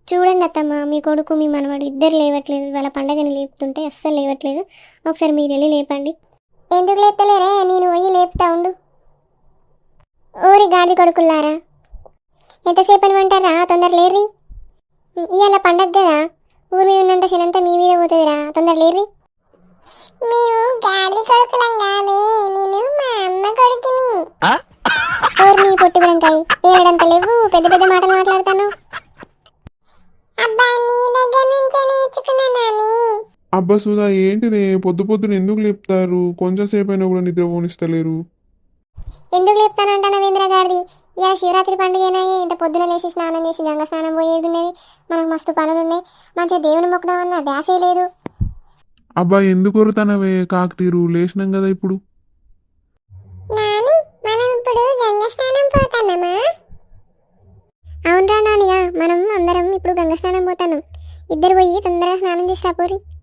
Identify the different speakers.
Speaker 1: చూడండి అత్తమ్మ, మీ కొడుకు మీ మనవడు ఇద్దరు లేవట్లేదు. వాళ్ళ పండగని లేపుతుంటే అస్సలు లేవట్లేదు. ఒకసారి మీరు వెళ్ళి లేపండి. ఎందుకు లేపుతలేరే? నేను పోయి లేపుతా ఉండు. ఓరి గాడి కొడుకుల్లారా, ఎంతసేపు అని అంటారా? తొందర లేర్రి. ఇవాళ పండగ కదా, ఊరి మీద ఉన్నంత శనంతా మీ మీద పోతుందిరా. తొందర లేర్రి. మేము గాడి కొడుకులం కాదే, నేను మా అమ్మ కొడుకుని. ఓరి నీ పొట్టి బ్రంకాయ, ఏడంత లేవు, పెద్ద పెద్ద మాటలు మాట్లాడతాను. అబ్బా, నీ దగ్గర నుంచే నేర్చుకున్నా నాని.
Speaker 2: అబ్బా సుధా, ఏంటిదే పొద్దు పొద్దున ఎందుకు లేపుతారు? కొంచెం సేపు అయినా కూడా నిద్ర పోనిస్తలేరు.
Speaker 1: ఎందుకు లేపుతానంటానా వేంద్ర గారిది? ఇలా శివరాత్రి పండుగైనా ఇంత పొద్దున లేచి స్నానం చేసి గంగ స్నానం పోయేది ఉన్నది. మనకు మస్తు పనులు ఉన్నాయి. మంచిగా దేవుని మొక్కుదామన్న ధ్యాసే లేదు.
Speaker 2: అబ్బా ఎందుకు కొరుతానవే? కాకతీరు లేచినాం కదా ఇప్పుడు.
Speaker 1: నాని, మనం ఇప్పుడు గంగ స్నానం పోతానమా? అవునరా నానిగా, మనం అందరం ఇప్పుడు గంగ స్నానం పోతాను. ఇద్దరు పోయి తొందరగా స్నానం చేసి రాపోరి.